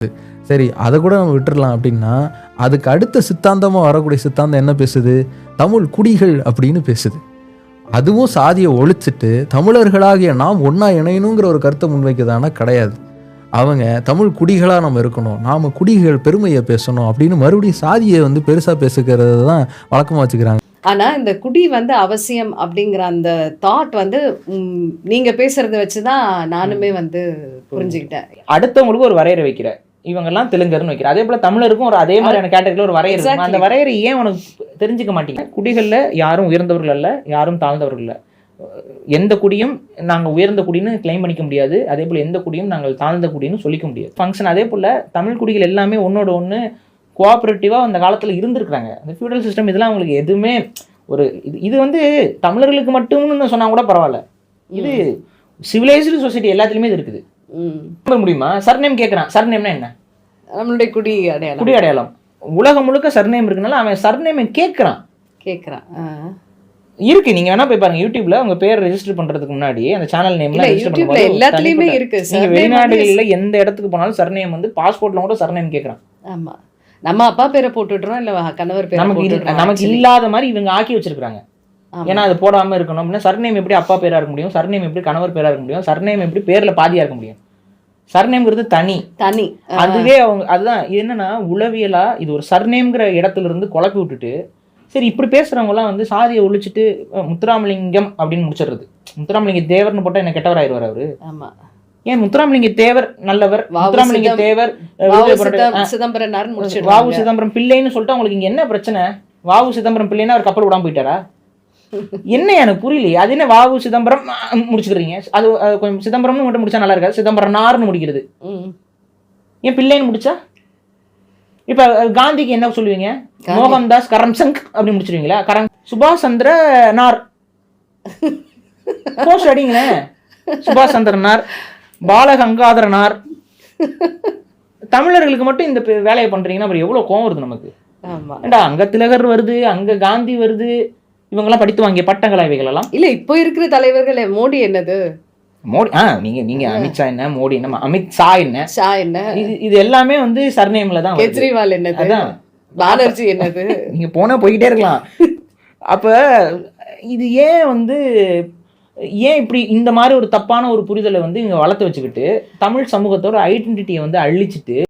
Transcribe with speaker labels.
Speaker 1: சரி, அதை கூட நம்ம விட்டுறலாம் அப்படின்னா, அதுக்கு அடுத்த சித்தாந்தமாக வரக்கூடிய சித்தாந்தம் என்ன பேசுது? தமிழ் குடிகள் அப்படின்னு பேசுது. அதுவும் சாதியை ஒழிச்சிட்டு தமிழர்களாகிய நாம் ஒன்றா இணையணுங்கிற ஒரு கருத்தை முன்வைக்குதானா? கிடையாது. அவங்க தமிழ் குடிகளாக நம்ம இருக்கணும், நாம் குடிகள் பெருமையை பேசணும் அப்படின்னு மறுபடியும் சாதியை வந்து பெருசாக பேசுகிறது தான் வழக்கமாக வச்சுக்கிறாங்க.
Speaker 2: ஆனா இந்த குடி வந்து அவசியம் அப்படிங்கிற அந்த தாட் வந்து நீங்க பேசுறத வச்சுதான் நானுமே வந்து புரிஞ்சுக்கிட்டேன்.
Speaker 3: அடுத்தவங்களுக்கு ஒரு வரையறை வைக்கிற, இவங்கெல்லாம் தெலுங்கர்னு வைக்கிற, அதே போல தமிழருக்கும் ஒரு அதே மாதிரியான கேட்டகரியில் ஒரு வரையறை இருக்கும். அந்த வரையறை ஏன் உனக்கு தெரிஞ்சுக்க மாட்டீங்க? குடிகளில் யாரும் உயர்ந்தவர்கள் அல்ல, யாரும் தாழ்ந்தவர்கள் இல்லை. எந்த குடியும் நாங்கள் உயர்ந்த குடின்னு கிளைம் பண்ணிக்க முடியாது, அதே போல் எந்த குடியும் நாங்கள் தாழ்ந்த குடின்னு சொல்லிக்க முடியாது. ஃபங்க்ஷன் அதே போல் தமிழ் குடிகள் எல்லாமே ஒன்னோட ஒன்று கோஆப்ரேட்டிவாக அந்த காலத்தில் இருந்திருக்கிறாங்க. அந்த ஃபியூடல் சிஸ்டம் இதெல்லாம் அவங்களுக்கு எதுவுமே ஒரு இது வந்து தமிழர்களுக்கு மட்டும்னு சொன்னால் கூட பரவாயில்ல, இது சிவிலைஸ்டு சொசைட்டி எல்லாத்துலேயுமே இது இருக்குது. முடியுமா? சர்நேம் கேட்குறான். சர்நேம்னா என்ன?
Speaker 2: நம்மளுடைய குடி அடையாளம்.
Speaker 3: குடி அடையாளம். உலகம் முழுக்க சர்நேம் இருக்குனால அவன் சர்நேமை கேட்குறான். இருக்கு, நீங்க வேணா போய் பாருங்க யூடியூப்ல உங்க பேர் ரெஜிஸ்டர் பண்றதுக்கு முன்னாடி அந்த சேனல் நேம்ல
Speaker 2: யூடியூப்ல எல்லாத்துலயுமே இருக்கு.
Speaker 3: நீங்க வெளிநாடுகள்ல எந்த இடத்துக்கு போனாலும் சர்நேம் வந்து பாஸ்போர்ட்ல கூட சர்நேம் கேக்குறான்.
Speaker 2: ஆமா, நம்ம அப்பா பேரை போட்டுடுறோம், இல்ல கணவர் பேரை போட்டுடுறோம்.
Speaker 3: நமக்கு இல்லாத மாதிரி இவங்க ஆக்கி வச்சிருக்காங்க. ஏன்னா அது போடாம இருக்கணும் அப்படின்னா சர்நேம் எப்படி அப்பா பேரா இருக்க முடியும்? சர்நேம் எப்படி கணவர் பேரா இருக்க முடியும்? சர்நேம் எப்படி பேர்ல பாதியா இருக்க முடியும்? சர்நேம்ங்கிறது தனி. அதுவே அவங்க அதுதான் என்னன்னா உளவியலா இது ஒரு சர்நேம்ங்கிற இடத்துல இருந்து குழப்பி விட்டுட்டு, சரி இப்படி பேசுறவங்கலாம் வந்து சாதியை ஒழிச்சிட்டு முத்துராமலிங்கம் அப்படின்னு முடிச்சிடுறது. முத்துராமலிங்க தேவர்னு போட்டா என்ன கெட்டவராயிருவார் அவரு? ஏன் முத்துராமலிங்க தேவர் நல்லவர், முத்துராமலிங்க தேவர் வாவு சிதம்பரம் பிள்ளைன்னு சொல்லிட்டு அவங்களுக்கு இங்க என்ன பிரச்சனை? வாவு சிதம்பரம் பிள்ளைன்னா அவர் கப்பல் விடாம போயிட்டாரா? என்ன எனக்கு புரியலையே. அது என்ன வாவு சிதம்பரம் முடிச்சுக்கிறீங்க? அது கொஞ்சம் சிதம்பரம்னு மட்டும் முடிச்சா நல்லா இருக்காது, சிதம்பரனார்னு முடிக்கிறது. ஏன் பிள்ளைன்னு முடிச்சா? இப்ப காந்திக்கு என்ன சொல்லுவீங்க? மோகன்தாஸ் கரம்சங் அப்படி முடிச்சிருவீங்களா? சுபாஷ் சந்திர நார் போஸ்ட் அடிங்களேன். சுபாஷ் சந்திரனார், பாலகங்காதரனார். தமிழர்களுக்கு மட்டும் இந்த வேலையை பண்றீங்கன்னா அப்புறம் எவ்வளவு கோவம் வருது நமக்கு. ஏண்டா அங்க திலகர் வருது, அங்க காந்தி வருது, இவங்கெல்லாம் படித்து வாங்கிய பட்டங்களா இவைகள் எல்லாம்? இல்ல இப்போ இருக்கிற தலைவர்கள். மோடி என்னது? மோடி நீங்க அமித்ஷா என்ன, மோடி என்ன, அமித் ஷா என்ன, இது எல்லாமே வந்து சர்நேம்ல தான்.
Speaker 2: கெஜ்ரிவால் என்னது, பானர்ஜி என்னது,
Speaker 3: நீங்க போனா போய்கிட்டே இருக்கலாம். அப்ப இது ஏன் வந்து ஏன் இப்படி இந்த மாதிரி ஒரு தப்பான ஒரு புரிதலை வந்து இங்க வளர்த்து வச்சுக்கிட்டு தமிழ் சமூகத்தோட ஐடென்டிட்டியை வந்து அழிச்சிட்டு